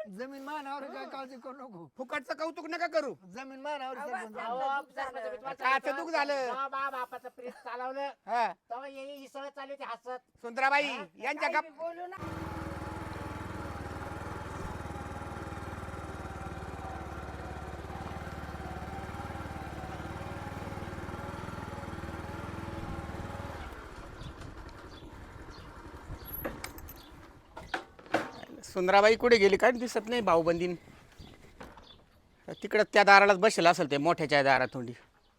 जमीन मानावर काय काळजी करू नको. फुकटचं कौतुक नका करू. जमीन मानावर सरपंच. काचं दुख झालं. बापाचं प्रेस चालवलं हा तेव्हा ही सगळं चालू होती हसत. सुंदराबाई यांच्या गप बोलू ना. सुंदराबाई कुठे गेली काय दिसत नाही. भाऊबंदीन तिकडं त्या दारालाच बसेल असेल ते मोठ्याच्या दारात थोडी.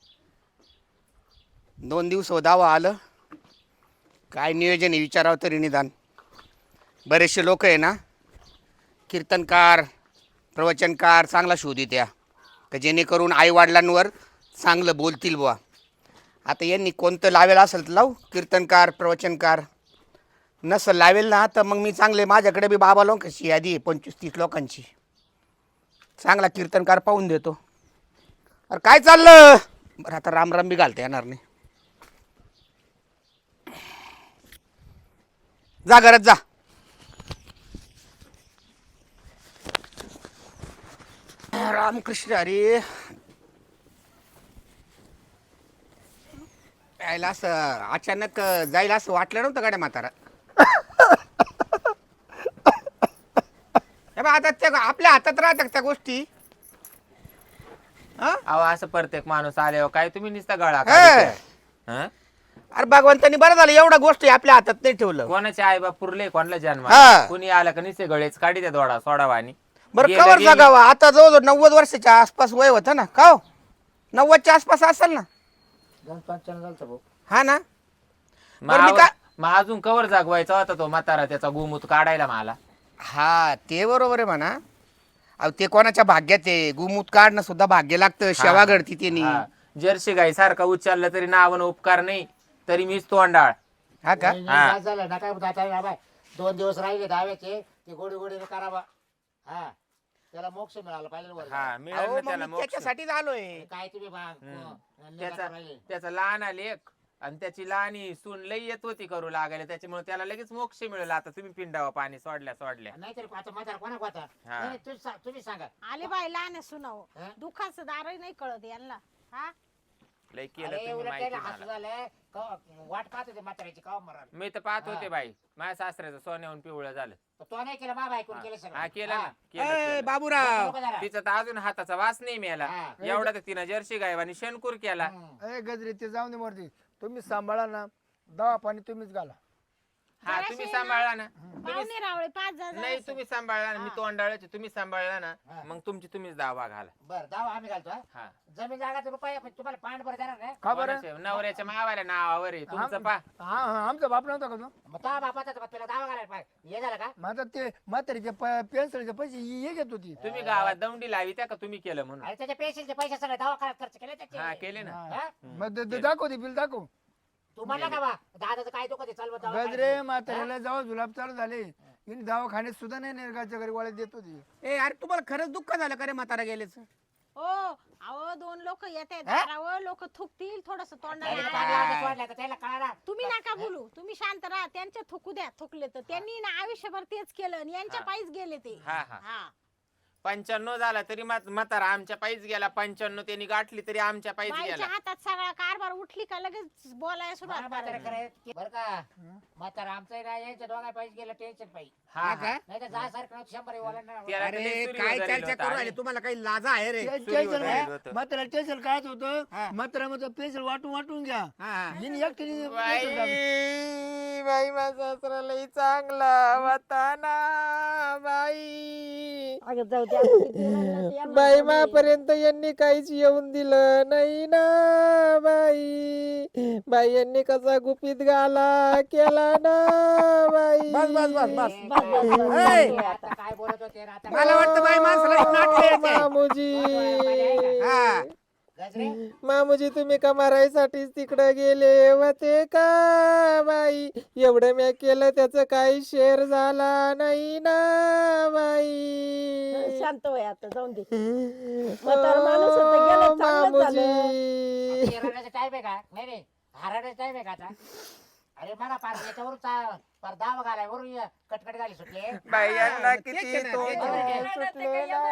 2 दिवस दावा आलं काय नियोजन आहे विचारावं तरी निदान. बरेचसे लोक आहे ना कीर्तनकार प्रवचनकार चांगला शोध द्या का जेणेकरून आईवडिलांवर चांगलं बोलतील बुवा. आता यांनी कोणतं लावेल असेल तर लावू कीर्तनकार प्रवचनकार. नसल लावेल ना तर मग मी चांगले माझ्याकडे बी बाबा लोकांची यादी आहे 25-30 लोकांची. चांगला कीर्तनकार पाहून देतो. अरे काय चाललं बरं आता रामराम बी घालता येणार नाही. जा घरात जा. रामकृष्ण हरी. यायला असं अचानक जायला असं वाटलं नव्हतं गाड्या म्हातारा. आता त्या आपल्या हातात राहतात त्या गोष्टी. अहो असं प्रत्येक माणूस आल्यावर काय तुम्ही नुसता गळा अरे भगवंतानी बरं झालं एवढ्या गोष्टी आपल्या हातात नाही ठेवलं. कोणाचे आई बाप पुरले कोणाला जन्म हा. कुणी आला का निसे गळेच काढी त्या दोडा सोडावानी. बरं कवर जगावा. आता जवळजवळ 90 वर्षाच्या आसपास वय होतं ना का हो? 90च्या आसपास असेल ना. 55 झालं भाऊ. हा ना. बरं मी काय मग अजून कवर जागवायचा होता तो म्हातारा त्याचा गुमूत काढायला मला. हा ते बरोबर आहे म्हणा. अहो ते कोणाच्या भाग्यात आहे. गुमूत काढणं सुद्धा भाग्य लागतं. शेवा घडती त्यांनी. जर्सी गाई सारखा उच्चारलं तरी नावानं उपकार नाही तरी मीच तोंडाळ. हा का काय झालं ना काय आता 2 दिवस राहिले दाव्याचे ते गोडी गोडीने करावा. हा त्याला मोक्ष मिळाला पाहिजे वर. हा अहो, मिळालं मग त्याला मी मोक्ष. त्याच्यासाठीच आलोय. काय तुम्ही त्याचा लहान लेक आणि त्याची लहानी सून लई येत होती करू लागायला त्याच्यामुळे त्याला लगेच मोक्ष मिळाला. आता तुम्ही पिंडावा पाणी सोडल्या नाहीतरी आता म्हातारा कोणा कोणा हा. नाही, तुम्ही सांगा. आले बाई लहान सुनाव हा? दुखाचं दारही नाही कळत यांना. हा लई केलं अरे, तुम्ही उलट माहिती त्याला हसू मला. झालं. वाट पाहत होते म्हाताऱ्याची काव मरण. मी तर पाहत हा. होते बाई माझ्या सासऱ्याचं सोन्याहून पिवळं झालं. तो नाही केलं बाबा ऐकून केलं सगळं. हा केलं ना हा. केलं, ए, केलं. बाबूराव लोकं जरा. तिचा तर अजून हाताचा वास नाही मिळाला. हा. एवढा तर तिनं जर्सी गायवानी शेणकूर केला. हम्म. ए गजरी ते जाऊन दे मूर्ती. तुम्ही सांभाळा ना. दवा पाणी तुम्हीच घाला. हा जराशी तुम्ही ना. सांभाळला ना. पाहुणे रावळे 5 नाही तुम्ही सांभाळला ना. मी हा. तोंडाळ्याचे तुम्ही सांभाळला ना. हा. मग तुम्हीच दावा घाला. बरं दावा आम्ही घालतो हा. हा जमीन जागाचा रुपया पण तुम्हाला पांड बरं देणार नाही. का बरं? कोणाच्या? नवऱ्याच्या मावाल्या नावावर आहे तुमचं पा. हा हा आमचा बाप नव्हता का तो? मग तो बापाचा तर तुला दावा घालायला पाहिजे. हे झालं का? माझा ते म्हातारीचे पेन्सिलचे पैसे हे घेत होती. तुम्ही गावात दौंडी लावी त्या का तुम्ही केलं म्हणून. अरे त्याच्या पेन्सिलचे पैसे सगळे दवाखान्यात खर्च केले त्याचे. हा केले ना. हा. हा? मग दाखव ते बिल दाखव. तू म्हणला का बा दादाचं काय दुखत आहे, चाल बा गजरे दवाखान्यात. म्हाताऱ्याला जाऊ जुलाब चालू झाले. हिने दवाखान्यात सुद्धा नाही निर्गाच्या घरी वाळत देत होती. ए अरे तुम्हाला खरंच दुःख झालं का रे म्हातारा गेलेच. हो अहो 2 लोक येते दारावर लोक थुकतील थोडस त्याने तोंडाला. कान लावून सोडलं तर त्याला कळाला. तुम्ही नका बोलू. तुम्ही शांत राहा. त्यांच्या थुकू द्या. थुकले तर त्यांनी ना आयुष्यभर तेच केलं आणि यांच्या हा. पायीच गेले ते. हा हा हा 95 झाला तरी म्हातारा आमच्या पायीच गेला. 95 त्यांनी गाठली तरी आमच्या पायीच बाईच्या गेला. हातात सगळा कारभार उठली का लगेच बोलायला सुरुवात म्हातारा करायची. करे बरं का म्हातारा आमचं नाही यायचं दोघा पाहिजे गेलं टेन्शन पाहिजे. हा हा नाही तर जा सारखं 100 वाला त्याला अरे लई सुरी काय वगैरे चर्चा होता. करू राहिले तुम्हाला काही लाजा आहे रे. सुरीवर राहिलं होतं. म्हाताऱ्याला टेन्शन काय हा. होतं. म्हाताऱ्यामध्ये पेन्सिल वाटून वाटून घ्या. हा, हा. हिने एकटीने बाई pencil दाबली. बाई माझा सासरा लई चांगला होता ना बाई. अगं जाऊ द्या. किती रडलं ते यांना बाई जाऊ दे. मापर्यंत यांनी काहीच येऊन दिलं नाही ना बाई. बाई यांनी कसा गुपित गाला केला ना बाई. बस बस बस बस. बस, बस, बस. ए, आता काय बोलत होते रे आता? मला वाटतं बाई माणसाला नाटकं यायचे. मामुजी हा. गजरे मामुजी तुम्ही का मारायसाठीच तिकडे गेले होते का बाई. एवढं मी केलं त्याचं काही शेअर झाला नाही ना बाई. शांत वय आता जाऊन दे. म्हातारा माणूस होता, गेलं, चांगलं झालं. मामुजी हरण्याचा टाइम आहे का? नाही हरण्याचा टाइम आहे का आता? अरे मला पार याच्यावरून पर दावा घालाय वरून कटकट झाली सुटले. बायांना तेच किती आहे ना, तोंड तेच आहे. सुटले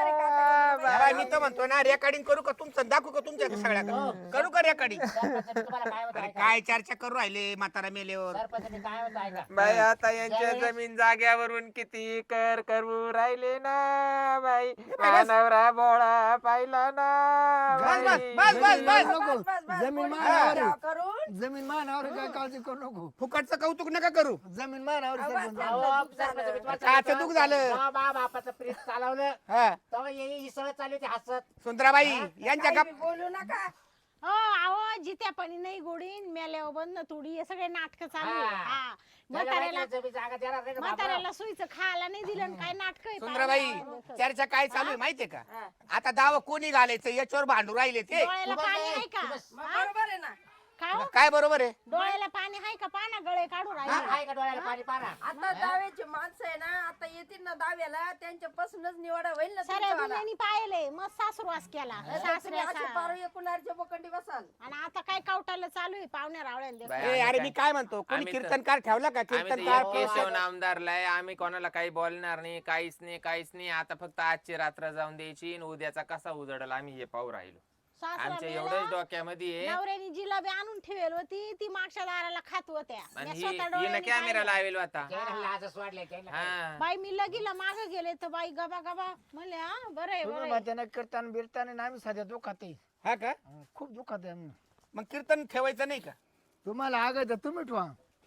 अरे मी तर म्हणतो ना रेकॉर्डिंग करू का तुमचं दाखवू का तुमच्या सगळ्या करू का रेकॉर्डिंग सरपंच तुम्हाला काय होतं अरे ऐका. काय चर्चा करू राहिले म्हातारा मेल्यावर सरपंच काय होतं ऐका. बाई आता यांच्या ज्यावेळेस- जमीन जाग्यावरून किती कर करू राहिले ना बाई मानवरा बोळा पाहिला ना बस, बाई. बस, बस, बस. नको जमीन मानावर आहे. जमीन मानावर आहे, काय काळजी करू नको. फुकटचं कौतुक नका करू जमीन मानावर आहे, सरपंच. अहो, सरपंच मी तुम्हाला काचं सांगतो, दुःख झालं. जेव्हा मा बापाचं प्रेत चालवलं हा तेव्हा ही सगळं चालू होती हसत. सुंदराबाई यांच्या गप बोलू नका. हो अहो जित्यापणी नाही गोडीन मेल्यावर बंद थोडी हे सगळे नाटक चालू आहे. हा. हा त्याला म्हाताऱ्याला माहिती जमीन जागा देणार नाही का बापराव? म्हाताऱ्याला सुईचं खायला नाही दिलं आणि काय नाटक सुंदराबाई चर्चा काय चालू आहे माहितीये का आता दावा कोणी घालायचं याच्यावर भांडू राहिले ते डोळ्याला पाणी आहे का मग हा? बरोबर आहे ना. काय हो? काय बरोबर आहे डोळ्याला पाणी आहे का पाना गळे काढू हा, राहिले आहे का डोळ्याला पाणी पारा? आता दाव्याचे माणसं आहे ना, आता येतील ना दाव्याला, त्यांच्यापासूनच निवडा होईल ना साऱ्या तुमच्यावाला. दुनियानी पाहिले मग सासुरवास केला तुम्ही असे सासऱ्याचा पारो एकूणारच्या बोकंडी बसाल. आणि आता काय कावटाला चालू आहे पाहुण्या रावळ्या बाई, ए, आम्ही अरे काय- मी काय म्हणतो कोणी आम्ही तर- कीर्तनकार ठेवला का आम्ही तर कीर्तनकार एक केशव नामदारला आहे. आम्ही कोणाला काही बोलणार नाही, काहीच नाही. आता फक्त आजची रात्र जाऊन द्यायची आणि उद्याचा कसा उजडला आम्ही हे पाहू राहिलो. आमच्या एवढंच डोक्यामध्ये आहे. नवऱ्यानी जिलाबी आणून ठेवेल होती ती मागच्या दाराला खात होत्या आणि मी स्वतः हिनं डोळ्यांनी कॅमेरा पाहिलं. लावेल आता त्याला लाजच वाढले त्याला. हा बाई मी लगीला माग गेले तर बाई गबा गबा म्हणले हा बरं आहे बरं तुम्ही आहे. म्हाताऱ्यानं कीर्तन बिरताना आणि आम्ही सध्या दुखात आहे. हा का खूप दुखात आहे आम्ही. मग कीर्तन ठेवायचं नाही का तुम्हाला आगायचं तुम्ही ठेवा.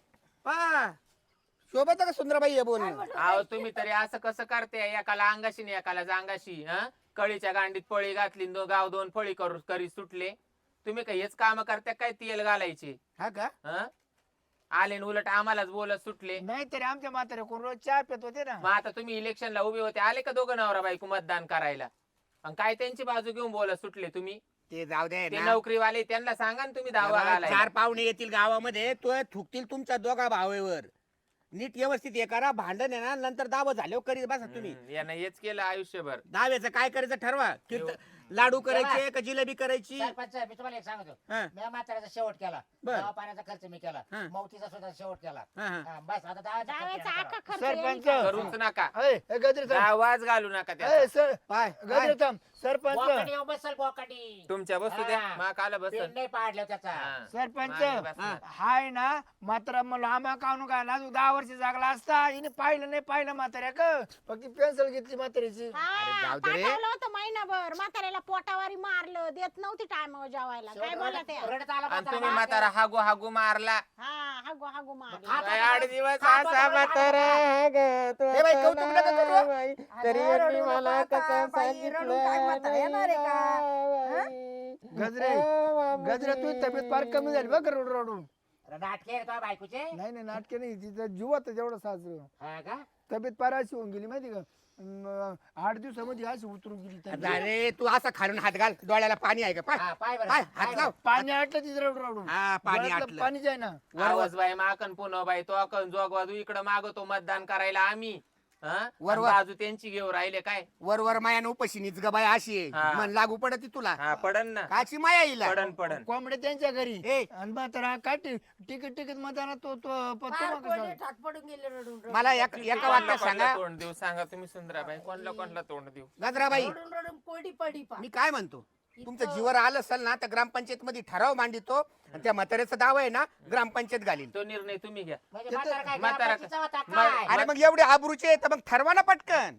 पा शोभत का सुंदराबाई हे बोलणं अहो तुम्ही तरी असं कसं करते एकाला अंगाशी आणि एकाला जांगाशी. हा कळीच्या गांडीत पळी घातली गाव दोन फळी करी सुटले. तुम्ही काही हेच काम करता काय तेल घालायचे. हा का हा आले न उलट आम्हालाच बोलत सुटले. नाही तरी आमच्या म्हातारे कोण रोज चहा पित होते ना. मग आता तुम्ही इलेक्शनला उभे होते आले का दोघं नवरा बायको मतदान करायला आणि काय त्यांची बाजू घेऊन बोलत सुटले तुम्ही. ते जाऊ दे ते ना. नोकरीवाले त्यांना सांगा ना तुम्ही दावा घालायला. चार पाहुणे येतील गावामध्ये तो थुकतील तुमच्या दोघा भावेवर नीट व्यवस्थित हे करा भांडण आहे ना नंतर दावा झाल्यावर करीत बसा तुम्ही यानं हेच केलं आयुष्यभर. दाव्याचं काय करायचं ठरवा लाडू करायचे का जिलेबी करायची सरपंच मी तुम्हाला एक सांगतो, हा. मी म्हाताऱ्याचा शेवट केला, बर. दवा पाण्याचा खर्च मी केला, हा. मौतीचा सुद्धा शेवट केला. हा, हा. हा, बस आता दावाचा खर्च डाव्याचा येणार आका करा. खर्च सरपंच येईल. करूच नका. ए, गजरे थांब. आवाज घालू नका ए, त्याचा. सर पाय गजरे थांब. सरपंच बोकाडी येऊन बसल बोकाडी. तुमच्या बसू द्या हा. मा काला बस पेन नाही पाडलं त्याचा. सरपंच हा. हाय ना म्हातारा मला आंबा काढून काय ना 10 वर्ष जागला असता हिने पाहिलं नाही पाहिलं म्हाताऱ्या का फक्त पेन्सिल घेतली म्हाताऱ्याची. हा, जाऊ दे रे. पाठवलं होतं महिनाभर म्हाताऱ्याला पोटावारी मारलं देत नव्हती टायमावर जेवायला काय बोला ते रडत आला आणि तुम्ही म्हातारा. म्हातारा हागू हागू मारला. हा हागो हागो मारलं खात काय होता 8 दिवस खात असा होता म्हातारा ग तो ए बाई, कौतुक नका करू. चला बाई, तरी अगं, यांनी रडू मला नका कसं आता, बाई, रडून काय म्हातारा येणार आहे का? बाई. गजरे गजरे तू तब्येत फार कमी झाली बघ रडून रडून. नाटके रे तुझ्या बायकोचे. नाही नाही नाटके नाही तिचं जीवात जेवढं साजरं हा का? तब्येत फार अशी होऊन गेली माहिती का 8 दिवसामध्ये अशी उतरून गेली तब्येत. अरे तू असा खालून हात घाल डोळ्याला पाणी आहे का पाय हा, पाय बरं. पाय पाय हात बरं. लाव पाणी आटलं तिचं रडून रडून हा पाणी डोळ्यातलं आटलं पाणी जाय ना. आवाज बाई माकन पुन्हा बाई तो अकन जोगवादू इकडं मागवतो मतदान करायला आम्ही. हा? वर आणि वर. बाजू त्यांची घेऊ राहिले काय. वर मायानं उपाशी निच ग बाय अशी आहे हा. मन लागू पडत तुला हा पडन ना. काची माया येईल पडन कोंबडे त्यांच्या घरी ए. आणि म्हातारा काय तिकीट मतदाना तो फार कोणी ठाक पडून गेले रडून रडून. मला एका कोणला वाक्यात सांगा तोंड देऊ सांगा तुम्ही सुंदराबाई कोणला तोंड देऊ. गजराबाई रडून रडून कोरडी पडी पा. मी काय म्हणतो तुमचं जीवर आलं असेल ना तर ग्रामपंचायत मध्ये ठराव मांडितो आणि त्या म्हाताऱ्याचा दावा आहे ना ग्रामपंचायत घालील तो निर्णय तुम्ही घ्या. म्हणजे म्हातारा काय म्हातारा ग्रामपंचायतीचा होता मा- काय? अरे मग एवढे आबरूचे आहे तर मग ठरवा ना पटकन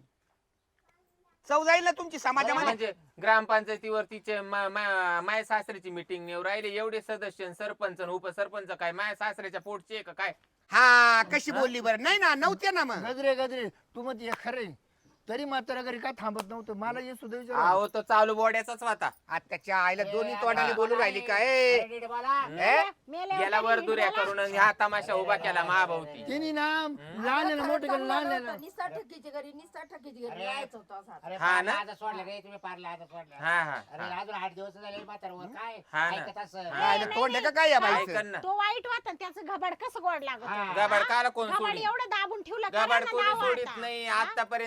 चव जाईल ना तुमची समाजामध्ये म्हणजे ग्रामपंचायतीवर तिचे माय सासऱ्याची मिटिंग नेऊ राहिले एवढे सदस्य आणि सरपंच आणि उपसरपंच काय माय सासऱ्याच्या पोटचे आहे का काय. हा कशी बोलली बरं नाही ना नव्हते ना मग गजरे तू मग खरे तरी म्हातारा घरी काय थांबत नव्हतं मला हे सुद्धा विचार अहो तो चालू बोड्याचाच होता. आत्याच्या आईला दोन्ही तोंडाने बोलू राहिली काय अरे नीट बोला. गेला वर दुऱ्या करून आणि हा तमाशा उभा केला महाभावती. तिने ना लहान मोठे केलं लहान निस्ता ठकीची घरी निस्ता ठकीची घरी अरे. जायचं होतं असा. अरे हा ना? आज सोडलं रे तुम्ही पारला आज सोडलं. हा हा अरे अजून 8 दिवस झाले म्हातारावर काय हा ना. ऐकत असं. हा. तोंड आहे का काय या बाईचं ऐकन ना. तो वाईट वाटत त्याचं घबाड कसं गोड लागत हा. गबाड काला कोण घबाड सोडी एवढं दाबून ठेवलं गबाड करा ना कोणी दावा सोडित आता. नाही. हा? आतापर्यंत जेवढे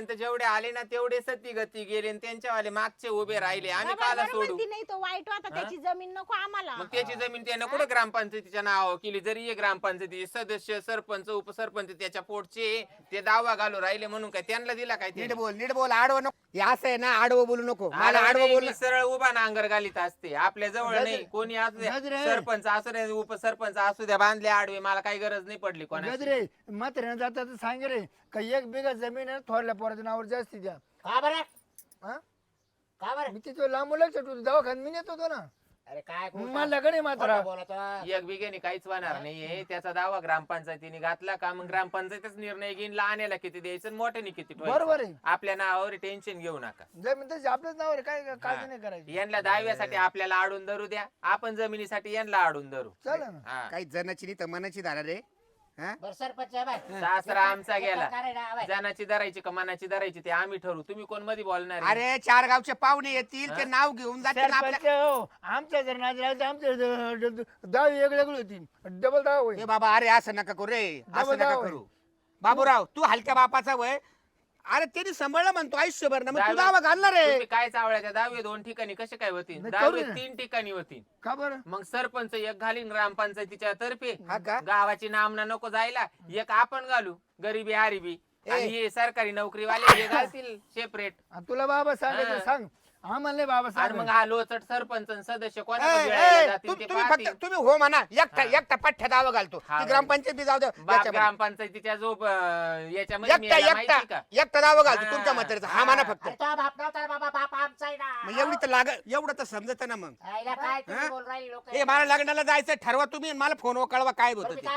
आले ना तेवढे सती गती गेले आणि त्यांच्यावाले मागचे उभे राहिले आम्ही बाबा, काला बरोबर सोडू ती नाही तो वाईट होता त्याची जमीन नको आम्हाला. मग त्याची जमीन त्यानं कुठे ग्रामपंचायतीच्या नावावर केली जरी हे ग्रामपंचायतीचे सदस्य सरपंच उपसरपंच त्याच्या पोटचे ते दावा घालू राहिले म्हणून काय त्यांना दिला काय नीट बोल आडवं नको हे असं आहे ना आडवं बोलू नको मला आडवं बोल सरळ उभा नांगर घालीत असते आपल्या जवळ नाही कोणी असू द्या गजरे. सरपंच असू द्या उपसरपंच असू द्या बांधले आडवे मला काही गरज नाही पडली कोणाची गजरे म्हाताऱ्यानं जाता तर सांग रे का 1 बिघा जमीन आहे थोरल्या पोराच्या नावावर जास्ती द्या. का बरं हा? का बरं मी तिथं लांब लक्ष ठेवतो दवाखान्यात मी नेत होतो ना अरे काय मला कडे म्हातारा बोलतो एक बिघेने काहीच होणार नाहीये त्याचा दावा ग्रामपंचायतीने घातला का मग ग्रामपंचायतच निर्णय घेईन लहान्याला किती द्यायचं आणि मोठ्याने किती ठेवायचं. बरोबर आहे आपल्या नावावर टेन्शन घेऊ नका जमीन तशी आपल्याच नावावर आहे, काय काळजी नाही करायची. यांना दहाव्यासाठी आपल्याला आडून धरू द्या आपण जमिनीसाठी यांना आडून धरू चला ना हा. काही जनाची नाही तर मनाची धारा रे हा बरं सरपंच आहे बाय सासरा आमचा गेला प्रकार आहे ना, बाय. जनाची धरायची का मनाची धरायची ते आम्ही ठरवू तुम्ही कोण मध्ये बोलणार आहे? अरे 4 गावचे पाहुणे येतील ते नाव घेऊन जातील आपल्या सरपंच हो, आमच्या जर नाद राहिलं तर आमच्या दाव वेगळे वेगळे होतील डबल दाव होईल. ए बाबा अरे असं नका करू रे असं नका दाव करू बाबूराव तू हलक्या बापाचा वय अरे त्यांनी सांभाळलं म्हणतो आयुष्यभर ना मग तू दावा घालणार रे तुम्ही काय चावळ्याच्या दहावे 2 ठिकाणी कसे काय होतील नाही, दहावे करू ना. 3 ठिकाणी होतील का बरं मग सरपंच एक घालीन ग्रामपंचायतीच्या तर्फे हा का गावाची नामना नको जायला एक आपण घालू गरीबी हारिबी आणि हे सरकारी नोकरीवाले हे घालतील सेपरेट आणि तुला बाबा सांगायचं हा. सांग आम्हाला नाही बाबा आणि मग सांग हा लोचट सरपंच आणि सदस्य ए, कोणाला ए, गिळायला जातील ते तुम्ही पाहतील. फक्त तुम्ही हो म्हणा एकटा पठ्ठ्या दावा घालतो हा, ती ग्रामपंचायत बी जाऊ द्या बाप याच्यामध्ये. ग्रामपंचायतीच्या जो याच्यामध्ये मी याला एकटा माहिती का एकटा दावा घालतो हा, तुमच्या म्हातारीचा हा हा. म्हणा फक्त अरे तो बाप नव्हता बाबा बाप आमचा आहे मग ना एवढी तर लाग एवढं तर समजत ना मग आईला काय तुम्ही हा? बोल राहिले लोक हे मला लग्नाला जायचं ठरवा तुम्ही आणि मला फोनवर कळवा काय होतं ते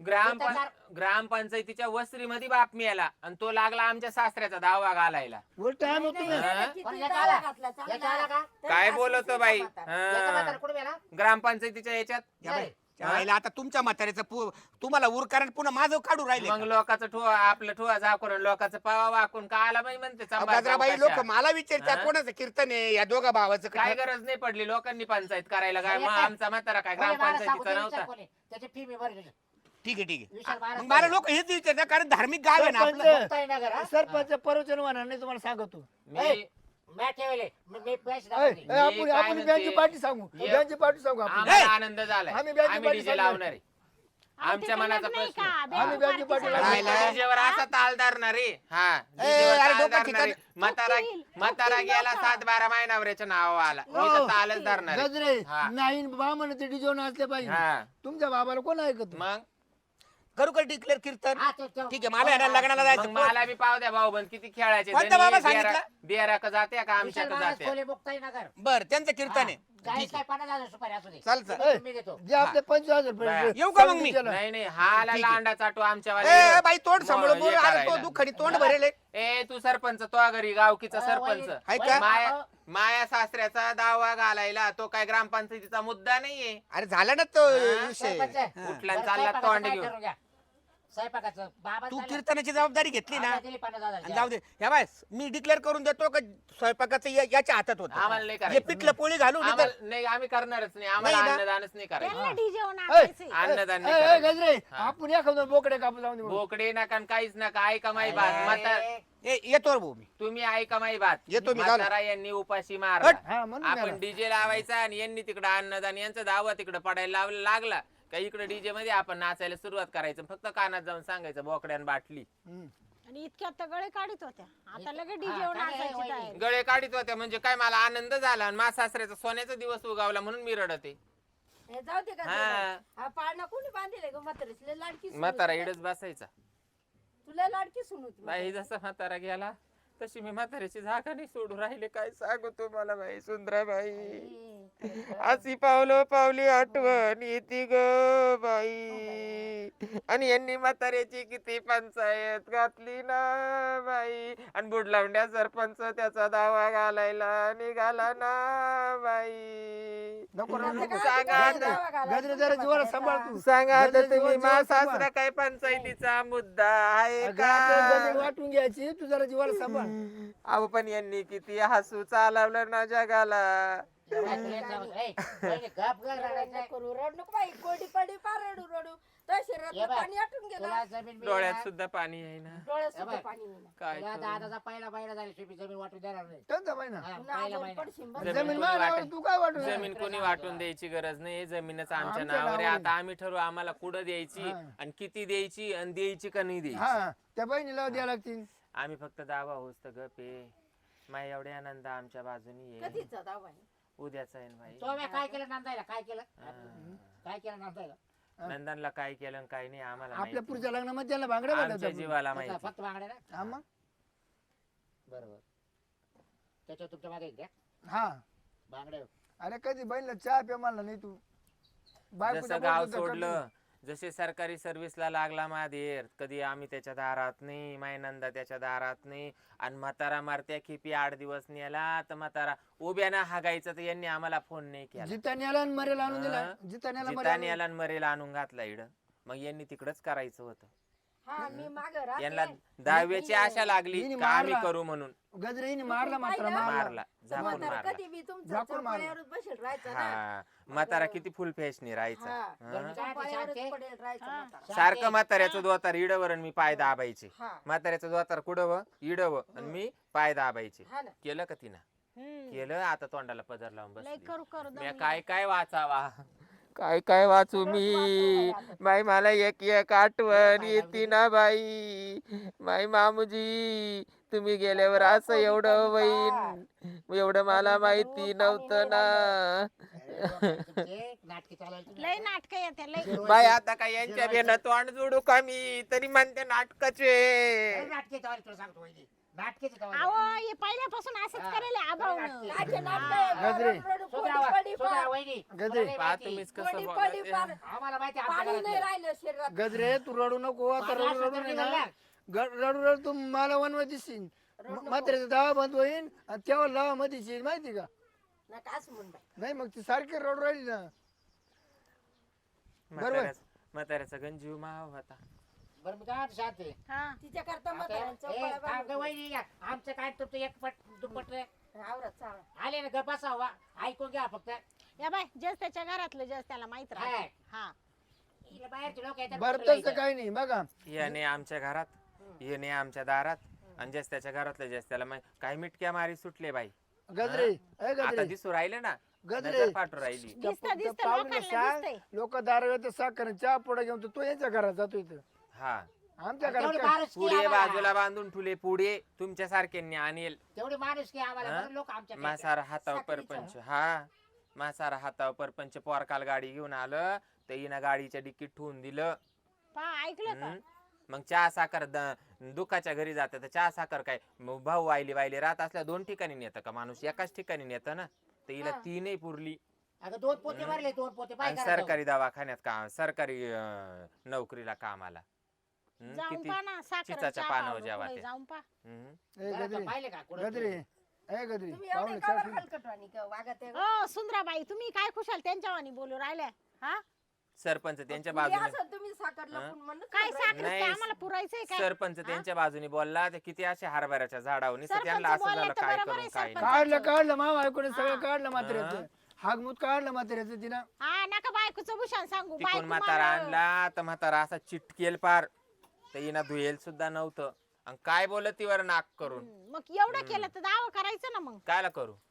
ग्रामपंचायतीच्या वस्त्रीमध्ये बाप मिळाला आणि तो लागला आमच्या सासऱ्याचा दावा घालायला उलट आम्ही तुम्ही हा? किती याचा दावा आला? घातला, चांगला. याचा आला का? तरी काय अशी बोलतो सुद्धा बाई म्हातारा. याचा म्हातारा हा. कुठे गेला ग्रामपंचायतीच्या याच्यात या बाई, नाही. राहिला आता तुमच्या म्हातारीचं तुम्हाला उरकारण पुन्हा माझं काढू राहिले मग लोकांचं ठोवा आपलं ठोवा झाकून लोकांचं पावा वाकून का आला बाई म्हणते चंबा गजराबाई लोक चौकशा. मला विचारतात हा? कोणाचं कीर्तन आहे या दोघा भावाचं काय का? गरज नाही पडली लोकांनी पंचायत करायला काय नाही, मग काय? आमचा म्हातारा काय कोणी मला सांगू ग्रामपंचायतीचा दे, नव्हता विचार कोणी. त्याची फी मी भरली ठीक आहे विशाल महाराज मग मला लोक हेच विचारतात कारण धार्मिक गाव आहे ना सरपंच. आपलं मुक्ताई नगर हा? सरपंच प्रवचन होणार नाही तुम्हाला सांगतो मी मॅच ठेवले मी पैसे ऐ, दाखवले. ऐ, आपण काय आपण म्हणते? बँकची पार्टी सांगू ये. बँकची पार्टी सांगू आपण आम्हाला आनंद झालाय आम्ही बँकेत आम्ही पाठी डीजे चाललोय. लावणार आहे अहो, ते आमच्या काही मनाचा नाही प्रश्न. का? आम्ही बेंगो बँकेत पार्टी पाठी सांगा. लावली. डीजेवर असा ताल धरणार रे हा ए, डीजेवर अरे ताल डोकं धरणार ठिकाणी- आहे. म्हातारा ठोकील, म्हातारा ठोकील गेला लोकं. 7-12 महिन्यावरच्या नाव आला मी हो. तर तालच धरणार आहे. गजरे हा. नाही बामण ते डिजो नाचले पाहिजे हा तुमच्या बाबाला कोण ऐकत मग करू का डिक्लेअर कीर्तन हा, ते- ठीक आहे मला आहे ना लग्नाला मग जायचं मला बी पाव द्या भाऊ बंद किती खेळायचे कोणता बाबा धनी, सांगितलं? बियारा का जात्या का विशाल आमच्या का महाराज जात्या खोले मुक्ताई नगर बर त्यांचं कीर्तन आहे गाईस ठीक काय 50,000 सुपारी असू दे चाल चाल ऐ, मी देतो जे आपले 25,000 बाया. रुपये येऊ का मग मी? केलं. नाही नाही हा आला ठीक आहे. लांडा चाटू आमच्या ए बाई तोंड सांभाळून बोल अरे तो दुःखडी तोंड भरेल आहे. ए तू सरपंच तो घरी गावकीचा अ, सरपंच वही- आहे का? माया माया सासऱ्याचा दावा घालायला तो काय ग्रामपंचायतीचा मुद्दा नाहीये अरे झाला ना तो हा, विषय सरपंच कुठला बरं, चालला स्वयंपाकाचं तोंड काय घेऊन ठरवून घ्या. स्वयंपाकाचं बाबा तू चालले. कीर्तनाची जबाबदारी घेतली ना आता दिली 50,000 आणि जाऊ दे ह्या बाय मी डिक्लेअर करून देतो का स्वयंपाकाचं याच्या हातात होतं आम्हाला नाही हे करायचं पिठलं पोळी घालून इथं- आम्हाला नाही आम्ही करणारच नाही आम्हाला नाही ना? अन्नदानच नाही करायचं त्यांना डीजे वर ऐ, नाचायचंय. अन्नदान ऐ, नाही ऐ, करायचं. गजरे हा. आपण एखादं बोकडे कापू जाऊन दे बघू. बोकडे नका आणि काहीच नका ऐका माई बात म्हातार येतो रे भाऊ मी तुम्ही ऐका माई बात येतो मी, जाऊ ना. म्हातारा यांनी उपाशी मार हट. हा म्हणून आपण मला. डीजे लावायचा आणि यांनी तिकडं अन्नदान यांचा दावा तिकडं पडायला लागला का इकडे डीजे मध्ये आपण नाचायला सुरुवात करायचं फक्त कानात जाऊन सांगायचं बोकड्यान बाटली हम्म. आणि इतक्यात तर गळे काढीत होत्या आता लगेच डीजे वर काय नाचायची वहिनी? तयारी. गळे काढीत होत्या म्हणजे काय मला आनंद झाला आणि माझ्या सासऱ्याचा सोन्याचा दिवस उगावला म्हणून मी रडते हे जाऊ दे का हा. हा पाळणा कोणी बांधले ग म्हातारीच लय लाडकी सून म्हातारा होती. इडच बसायचा तुला लाडकी सून होती बाई जसा म्हातारा गेला तशी मी म्हाताऱ्याची जागा नाही सोडून राहिले काय सांगू तुम्हाला बाई सुंदरा बाई अशी पावलो पावली आठवण येते ग बाई आणि यांनी म्हाताऱ्याची किती पंचायत घातली ना बाई आणि बुडलावंड्या सरपंच त्याचा दावा घालायला निघाला ना बाई नको नको, नको. सांगा आता. गजरे जरा जीवाला सांभाळ तू सांगा आता गजरे तुम्ही जीवाला मा सांभाळ. सासरा काय पंचायतीचा मुद्दा आहे अगं, आपल्याला गजरे का वाटून घ्यायची तू जरा जीवाला सांभाळ अहो पण यांनी किती हसू चालवलं ना जगाला गप ग रडायचं. करू रड नको बाई कोडी पडी पार रडू रडू त्या ये शरीरात बाय. पाणी आटून गेलं तुला जमीन डोळ्यात मिळणार. सुद्धा पाणी आहे ना डोळ्यात ए सुद्धा बाय. पाणी येईना. काय तुला करू? दादाचा पहिला महिना झाली शिपी जमीन वाटून देणार नाही. कोणता महिना हा, पुन्हा पहिला आजारी महिना. पडशील बरं. जमीन जमीन कोणी माझ्या वाटेल? तू काय वाटू जमीन कोणी वाटून द्यायची गरज नाही जमीनच आमच्या आमच्या नावावर आहे. नावावर आता आम्ही ठरवू आम्हाला कुठं द्यायची हा. आणि किती द्यायची आणि द्यायची का नाही द्यायची हा त्या बहिणीला द्यायला लागतील. आम्ही फक्त दावा होस तर गपे माय एवढे आनंद आमच्या बाजूनी आहे कधीचा दावा आहे? उद्याचा आहे ना भाई तो मी काय केलं नांदायला काय केलं काय केलं नांदायला नंदनला काय केलं आणि काय नाही आम्हाला आपल्या माहिती. पुढच्या लग्नामध्ये त्याला भांगड्या आमच्या बदलतात. जीवाला त्याचा माहिती फक्त मागण्या ना हा मग बरोबर त्याच्यावर तुमच्या मागे द्या हा बांगड्या अरे कधी बहिणीला चहा पे म्हणला नाही तू बायकोच्या जसं गाव बोलतो तर सोडलं जसे सरकारी सर्व्हिसला लागला माधेर कधी आम्ही त्याच्या दारात नाही मायनंदा त्याच्या दारात नाही आणि म्हातारा मारत्या खेपी 8 दिवस नेला तर म्हातारा उभ्यानं हागायचं तर यांनी आम्हाला फोन नाही केला जितान्याला आणि मरेला आणून दिला हा. जितान्याला जिताने याला आणि मरेला आणून घातला इड मग यांनी तिकडच करायचं होतं हा मी माग यांना दहाव्याची आशा लागली हिने का आम्ही मारला. करू म्हणून गजरीने मारला मात्र पाहिलं? मारला मारला झाकून मारला कधी मी तुमच्या झाकून मारलं. चौपाळ्यावरच बसेल राहायचं ना. हा म्हातारा किती फुल फॅशनी राहायचा हा. बरं, हा. काय ते चौपाळ्यावरच शांती? पडेल राहायचं म्हातारा. सारखं म्हाताऱ्याचं दोतार इडवर आणि मी पाय दाबायचे हा म्हाताऱ्याचं दोतार कुडव इडव आणि मी पाय दाबायचे हा ना. केलं का तिनं हम्म. केलं आता तोंडाला पदर लावून लय बसली करू करू मी दमली. काय काय वाचावा काय काय वाचू मी बाई मला एक एक आठवण येते ना बाई माई मामूजी तुम्ही गेल्यावर असं एवढं होईन एवढं मला माहिती नव्हतं ना नाटकी चालायची लय नाटक येते लय बाई आता काय यांच्या बेन तोंड जोडू का मी तरी म्हणते नाटकाचे नाटकी तुला सांगतो वहिनी नाटकीची अहो हे पहिल्यापासून असंच करेल आभावनं काचे नाटकं आहे, गजरे. रडू, कोणी पडी पार. वहिनी गजरे. तुला पहा नाही तुम्हीच माहिती. कोणी कसं पडी बोलते. पार. आम्हाला माहिती आहे आमच्या पाणी नाही घरातलं. राहिलं शरीरात. गजरे तू रडू नको आता पाणी रडू असलं रडू तर नाही निघाल ना ना. रडू रडू तू मला वनवा दिसशील म्हाताऱ्याचा दावा बंद होईल आणि तेव्हा लावा मध्ये येईल माहिती का नका असं म्हण बाई. नाही मग ती सारखी रडू राहिली ना म्हाताऱ्याचा गंजीव माव होता बरं मी काय म्हणतो शांती हा तिच्याकरता आता म्हाताऱ्यानं ए, चौपाळ्या थांब गं बांधून वहिनी या. आमचं काय तुमचं एक पट दुप्पट रे. आवरत चावरा. आले ना ग बसावा ऐकून घ्या फक्त या बाय जस त्याच्या घरातलं जस त्याला माहित राहत हाय. हा इकडे बाहेरचे लोक येतात बरं कुठलं तसं इथं. काही नाही बघा याने आमच्या घरात याने आमच्या दारात आणि जस त्याच्या घरातलं जस त्याला काय मिटक्या मारी सुटले बाई गजरे ए आता गजरे दिसू राहिले ना गजरे. नजर फाटू राहिली दिसतं दिसतं पाहुणे लोकांना सांग दिसतंय लोक दारू येते साखर चहा पुढे घेऊन तो यांच्या घरात जातो इथं हा आमच्या तेवढी घरात काय? माणुसकी पुढे आम्हाला. बाजूला बांधून ठुले पुढे तुमच्या सारख्यांनी आणेल तेवढी माणूस की आम्हाला हा? लोक आमच्या मासारा हातावर साखरेचा. परपंच हा मासारा हातावर परपंच पोरकाल गाडी घेऊन आलं तर हिनं गाडीच्या डिक्कीत ठेवून दिलं पहा ऐकलं का हम्म. मग चहा साखर दुखाच्या घरी जात तर चहा साखर काय मग भाऊ वायली वायली राहत असल्या 2 ठिकाणी नेतं का माणूस एकाच ठिकाणी नेतं ना तर हिला 3 पुरली अगं 2 पोते भरले 2 पोते आणि पाय सरकारी दवाखान्यात काम सरकारी नोकरीला कामाला जाऊन किती पहा ना साखर चिचाच्या पानावर जेवा ते. जाऊन पहा हम्म. ए गजरे पाहिले का कुठं गजरे ए गजरे तुम्ही पाहुणे एवढे का बरं चहा हलकटवाणी का वागत आहे? ओ सुंदराबाई तुम्ही काय खुशाल त्यांच्यावानी बोलू राहिल्या हा सरपंच त्यांच्या तुम्ही बाजूने असं तुम्ही साखर लपून म्हणत काय होता साखर नाही. आम्हाला पुरायचंय काय सरपंच त्यांच्या बाजूने बोलला ते किती असे हरभऱ्याच्या झाडावर नुसतं सरपंच त्यांना असं बोलले झालं तर काय बरोबर करून आहे, काय सरपंच. नाही काढलं मामा ऐकून सगळं काढलं म्हाताऱ्याचं हागमूत काढलं म्हाताऱ्याचं तिनं हा नका बायकोचं भूषण सांगू तिकून बायको म्हातारा मला- आणला तर म्हातारा असा चिटकेल पार तर हिना धुयेल सुद्धा नव्हतं आणि काय बोलत तीवर नाक करून मग एवढं केलं तर दावा करायचं ना मग कायला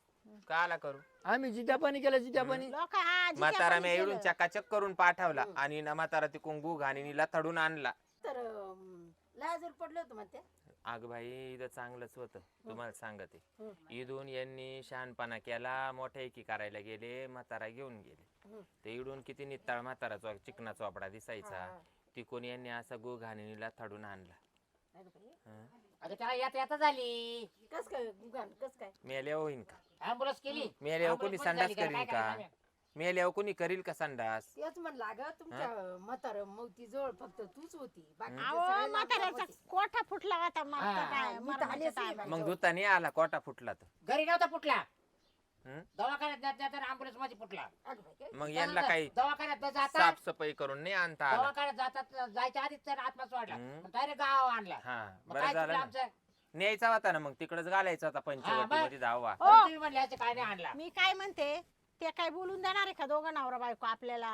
करू आम्ही जित्या पाणी केलं जित्या पाणी लोक हा जिथे म्हातारा आपण मी इडून केलं. चकाचक करून पाठवला आणि ना म्हातारा तिकून गुग आणि नीला थडून आणला तर लाजूर पडलं होतं म्हणते. अग भाई इथं चांगलंच होतं तुम्हाला सांगते इथून यांनी शहाणपणा केला मोठ्या एकी करायला गेले म्हातारा घेऊन गेले ते इडून किती नित्ताळ म्हातारा चिकना चोपडा दिसायचा तिकून यांनी असा गुग आणि नीला थडून आणला अगं बाई, हं. अगं त्याला येता झाली कस काय गुगान कस काय मेल्या होईन का ऍम्ब्युलन्स केली मेल्यावर कोणी Ambulance संडास झाली का? करीन काय का करायचं? मेल्यावर कोणी करील का संडास तेच म्हणलं अगं तुमच्या म्हातार मोती जवळ फक्त तूच होती बाकीचे अहो सगळे म्हाताऱ्याचा लांब होते. कोठा फुटला होता मग हा, तर काय मी तर मरणाच्या आलीच नाही टायमाला. मग दुताने आला कोटा फुटला तर घरी नव्हता फुटला हं? दवाखान्यात जाता ऍम्ब्युलन्स मध्ये फुटला अगं बाई, काय? मग यांना काही दवाखान्यात न जाता साफसफाई करून नाही आणता आला दवाखान्यात जातात जायच्या आधीच तर आत्मा सोडला हं. डायरेक्ट गाव आणला हा मग बरं काय झालं चुकलं ना आमचं? न्यायचा होता ना मग तिकडच घालायचा होता पंचवटी मध्ये धावा बरं तुम्ही म्हणले असं काय नाही आणला मी काय म्हणते ते काय बोलून देणार आहे का दोघं नवरा बायको आपल्याला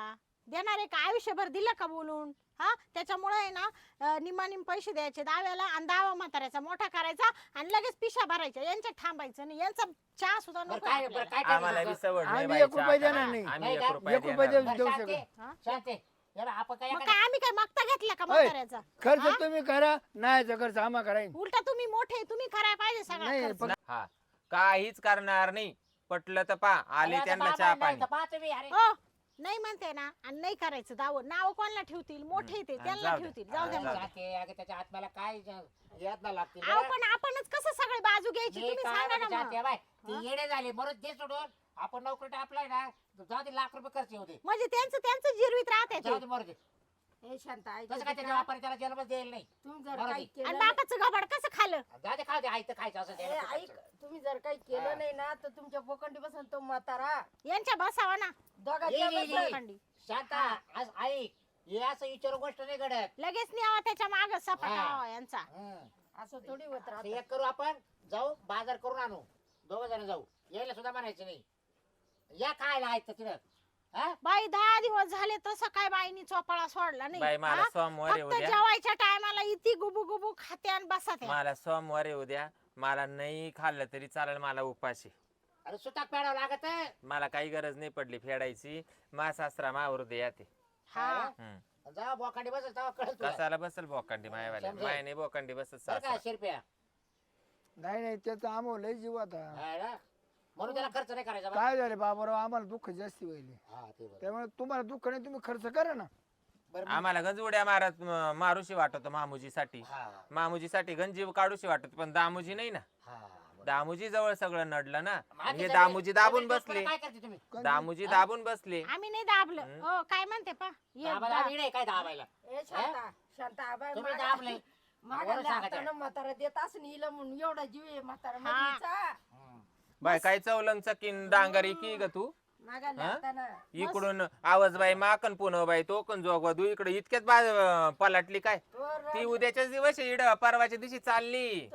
देणार आहे का? आयुष्यभर दिलं का बोलून? हा, त्याच्यामुळे आहे ना निम्मानिम पैसे द्यायचे दाव्याला आणि दावा म्हाताऱ्याचा मोठा करायचा आणि लगेच पिशा भरायच्या. यांच्यात थांबायचं नाही, यांचा चहा सुद्धा बरं नको काय आपल्याला. बरं काय आम्हाला बी करायचं? सवड नाही आम्ही बाई 1 रुपया चहा देणार नाही. आम्ही नाही 1 का? रुपया 1 रुपया देणार बरं, देऊ शांती, शकत. शांती. हे बघ, आपण काय मग करा- काय आम्ही काय मागता घेतला का ओय. म्हाताऱ्याचा? खर्च तुम्ही करा, नाही खर्च आम्हा करायन. उलटा तुम्ही मोठे, तुम्ही करायला पाहिजे सगळा नाही खर्च. पण हा काहीच करणार नाही. पटलं तर पा आले अरे आता त्यांना बाबा चहा नाही पाणी. तर पाहा तुम्ही, अरे. हो, नाही म्हणते ना, आणि नाही करायचं दाव. नाव कोणाला ठेवतील? मोठे ते हा, त्यांना जाऊ दे. ठेवतील. जाऊ द्या हा, मग. जाऊ दे. शांती, अगं त्याच्या आत्म्याला काय याद ना लागतील अहो बरं? पण आपणच कसं सगळे बाजू घ्यायची मी तुम्ही काय सांगा म्हणते ना शांती, मग. बाय ती येडे झाली म्हणून दे सोडून. आपण नोकरी टाकलाय ना, जाऊ दे, लाख रुपये खर्च होते. म्हणजे त्यांचं जिरवीत राहते जाऊ ते. दे, मरू दे. हे शांत ऐक कसं काय त्याच्या वापर त्याला जन्मच देईल नाही. तुम्ही जर बरं काही ते. केलं आणि नाही- बापाचं घबाड कसं खाल्लं? जाऊ दे, खाऊ दे, आईचं खायचं असं ए, द्यायला ऐक तुम्ही जर काही हा. केलं नाही ना तर तुमच्या बोकंडी बसून तो म्हातारा यांच्या बसावा ना दोघांच्या ये, ये, बसून. ये. खंडी. शांता आज ऐक हे असं विचारू गोष्ट नाही घडत. लगेच न्यावा त्याच्या माग सपाटावा यांचा. हं. असं थोडी होत असं राहत. एक करू आपण, जाऊ बाजार करून आणू, 2 जण जाऊ. यायला सुद्धा म्हणायचं नाही, या खायला आहेत तिथं. हा? बाई 10 दिवस झाले तसं काय बाईनी चोपाळा सोडला नाही. बाई मला हा? सोमवारी फक्त उद्या जेवायच्या टायमाला इथे गुबू गुबू खाते आणि बसते. मला सोमवारी उद्या मला नाही खाल्लं तरी चालेल. मला उपाशी. अरे सुताक पेडावं लागत. मला काही गरज नाही पडली फेडायची. मा सासरा मावर दे याते. हा. हम्म. जा बोकांडी बस तेव्हा कळत तुला. कसाला बसल बोकांडी मायवाल्या समजेल. माय नाही बोकांडी बसत बरं सासरा. का शिरप्या? नाही त्याचा आम्हाला लय जीव आता. हा ना? म्हणून त्याला खर्च नाही करायचा बा. काय झाले बाबाराव, आम्हाला दुःख जास्ती व्हायले. हा ते बरं. त्यामुळे तुम्हाला दुःख नाही, तुम्ही खर्च करा ना. बरं आम्हाला गंज उड्या मारत मारूशी वाटत मामुजीसाठी. हा मामुजीसाठी गंजीव काढूशी वाटत पण दामुजी नाही ना. हा बरं. दामुजी जवळ सगळं नडलं ना. माझ्या हे सगळे- दामुजी दाबून सगळे बसले. काय करते तुम्ही? दामुजी दाबून बसले. आम्ही नाही दाबलं. हो काय म्हणते पा ये आम्हाला आम्ही नाही काय दाबायला. ए शांता शांता आबाय तुम्ही दाबले. मागायला बरं सांगा हातानं म्हातारा देत असं हिला म्हणून एवढा जीव आहे म्हातारा हा. मधीचा. बाय काय चवलं चकीन डांगरी की ग तू. मागायला हा? हातानं इकडून आवाज बाई माकन पुनव बाई तो कन जोगवा तू इकडे इतक्यात पलटली काय. ती उद्याच्याच दिवस इड परवाच्या दिवशी चालली.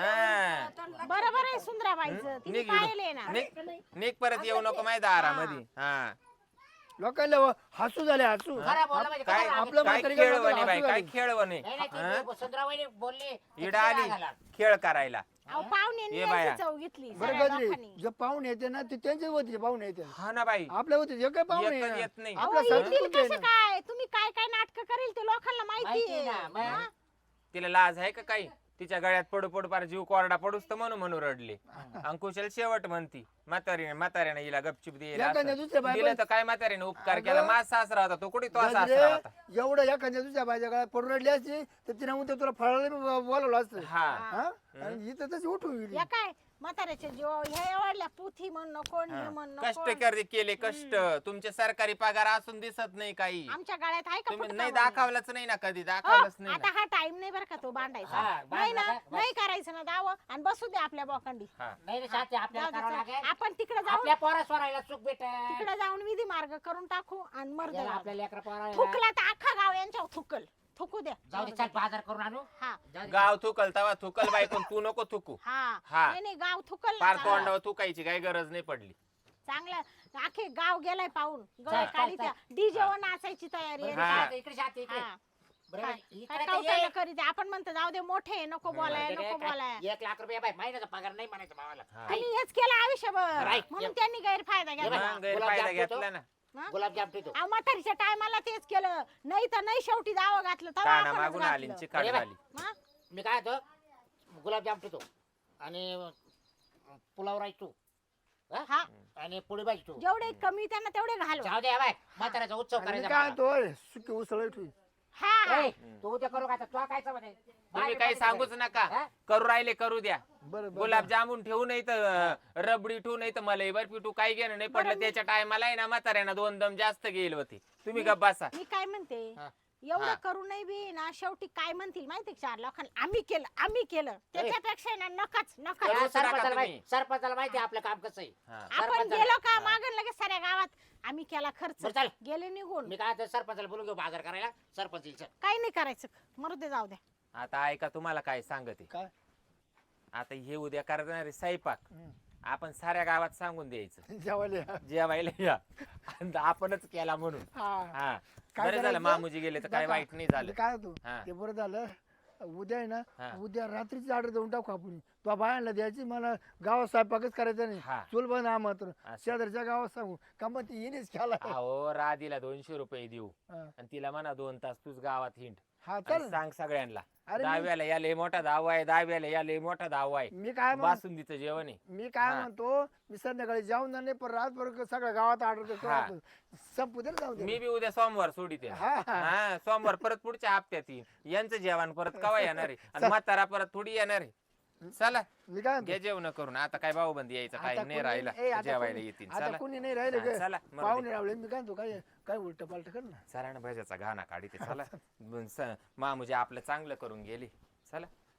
हा. बरोबर आहे सुंदराबाईचं. तिने निघ पाहिले ना. निक परत येऊ नको माहिती दारामध्ये. हा लोकांना हसू झाले, हसू. खरं बोललं म्हणजे काय खरं आपलं काय म्हातारी खेळ काय वने बाई हसू काय झाली. खेळ वने. नाही नाही ती सुंदराबाईने बोलली इड आली खेळ करायला. अहो पाहुण्यांनी ये बाया. यांची चव घेतली बरं सगळ्या गजरे, लोकांनी. जे पाहुणे येते ना ते त्यांचे होते पाहुणे येते. हा ना बाई आपल्या होते जे काय पाहुणे एकच आहे येत ना. नाही. अहो, आपल्या येतील संस्कृती आहे कसं ना. काय? तुम्ही काय काय नाटक करेल ते लोकांना माहिती माहिती आहे. ना, मग. हा? तिला लाज आहे का काही. तिच्या गळ्यात पडू पडू पार जीव कोरडा पडूस तर म्हणून रडले. अंकुशल शेवट म्हणती म्हाताऱ्याने हिला गपचिप दिला एखाद्या दुसऱ्या बाई दिलं तर काय म्हाताऱ्याने उपकार अगं, केला. माझा सासरा होता तो कुठे तो सासरा गजरे, होता. एवढं एखाद्या तुझ्या बायच्या काळात पडून रडली असती तर तिने उद्या तुला फळायला बोलवलं असतं. हा हा? आणि इथं तशी उठून गेली. या काय म्हाताऱ्याचे जीव ह्या एवढल्या पुथी म्हणणं कोण हे म्हणणं कष्ट कोण. केले कष्ट. तुमचे सरकारी पगार असून दिसत नाही काही. आमच्या गाड्यात आहे का तुम्ही फुटका नाही म्हणणं? दाखवलंच नाही ना कधी हो, दाखवलंच नाही आता ना. हा टाइम नाही बरं का तो बांधायचा. हा, नाही बांधला ना, का? बस. नाही करायचं ना दाव आणि बसू दे आपल्या बोकांडी. हा. नाही रे शांती आपल्याला जाऊ करावं दे, लागेल. आपण तिकडे जाऊन आपल्या पोरा स्वरायला सुख भेट तिकडे जाऊन विधी मार्ग करून टाकू आणि मर्द आपल्या लेकरा पोरा थुकला तर अख्खा गाव यांच्यावर थुकल. थुकू द्या. जाऊ दे चल बाजार करून आणू. हा जाऊ दे. गाव थुकल तवा थुकल बायकोन तू नको थुकू. हा हा. नाही नाही, गाव थुकल ना पार चांगलं. तोंडावर थुकायची काही गरज नाही पडली. चांगलं आखे गाव गेलाय पाहून गळ चल, काढी चल, त्या डीजे वर नाचायची तयारी आहे. बरं, हा. शांती, इकडे शांती, इकडे. हा. बरं, काय इकडे काय तर कौतुक ये. करीत आहे. आपण म्हणतो जाऊ दे मोठे नको बोलाय इकडे नको काय? बोलाय. 1 लाख रुपये बाय महिन्याचा पगार नाही म्हणायचं भावाला. हा. त्यांनी हेच केलं आयुष्यभर Right. म्हणून त्यांनी गैरफायदा हे घेतला. बघा. मग गैरफायदा घेतला ना. हा? गुलाबजाम ठेवतो. अहो, म्हातारीच्या टायमाला तेच केलं नाही तर नाही शेवटी दावा घातलं तेव्हा काना आपणच मागून आली घातलं. चिकाट अरे बाई. झाली. हा? मी काय होतो गुलाबजाम ठेवतो आणि पुलाव राईस तू हा आणि पोळी भाजी तू. जेवढे कमी त्यांना तेवढे घालवा. जाऊ दे बाय म्हाताऱ्याचा उत्सव आणि मी करायचा काय मला. म्हणतो सुकी उसळ ठेवी. हा हा. ए, तू उद्या करू का आता? तुला काय समज आहे? तुम्ही काही सांगूच नका. हा? करू राहिले करू द्या. बरं बरं. गुलाबजामुन ठेवू नाही तर रबडी ठेवू नाही तर मलाई बर्फी ठेवू काही घेणं नाही पडलं. त्याच्या टायमाला आहे ना म्हाताऱ्यानं 2 दम जास्त गेले होते. तुम्ही गप्प बसा. मी काय म्हणते हा. एवढं हा. करू नाही बी ना शेवटी काय म्हणतील माहिती का 4 लोकांना आम्ही केलं त्याच्यापेक्षा ना नकाच या नकाच. करूच नका सरपंचाला तुम्ही. माहिती- सरपंचाला माहिती आहे आपलं काम कसं आहे. हा. आपण सरपंचाला. गेलो का मागं लगेच साऱ्या गावात आम्ही केला खर्च बरं, चल. गेले निघून मी काय म्हणतो, सरपंचाला बोलून घेऊ बाजार करायला. सरपंच येईल, चल. काही नाही करायचं मरू दे जाऊ द्या. आता ऐका तुम्हाला काय सांगते. काय? आता हे उद्या करणार आहे स्वयंपाक. हम्म. आपण साऱ्या गावात सांगून द्यायचं जेवायला जेवायला या आणि आपणच केला म्हणून. हा हा काय बरं झालं करायचं? मामुजी गेले तर काय बघा, वाईट नाही झालं. काय होतो हा. ते बरं झालं उद्या आहे ना हा. उद्या रात्रीची ऑर्डर देऊन टाकू आपण तो बायांना द्यायची मला गावात स्वयंपाकच करायचा नाही हा. चूल बंद मात्र असं. शेजारच्या गावात सांगू का मग ती येणेच खेळा अहो राधीला 200 रुपये देऊ हा. आणि तिला म्हणा 2 तास तूच गावात हिंड हा आणि चल सांग सगळ्यांना अरे मी- दहाव्याला या लय मोठा दावा आहे, दहाव्याला या लय मोठा दावा आहे, मी काय म्हण बासुंदीचं जेवण आहे. मी काय हा. म्हणतो मी संध्याकाळी जाऊन नाही पण रातभर सगळ्या गावात ऑर्डर हा. करतो संपू दे ना जाऊ दे मी बी उद्या सोमवार सोडिते हा, हा. हा सोमवार परत पुढच्या हप्त्यात येईल यांचं जेवण परत कवा येणार आहे आणि म्हातारा परत थोडी येणार आहे. चला मी काय म्हणतो घ्या जेवण करून आता काय भाऊबंदी यायचं आता काय नाही कोणी- राहिला ए, आता जेवायला कोणी- येतील. आता चला कोणी नाही राहिले हा, चला, मरू दे. पाहुणे रावले मी काय म्हणतो काय काय उलट पालट कर ना चला ना भज्याचा घाणा काढीते चला मामुजी आपलं चांगलं करून गेली. चला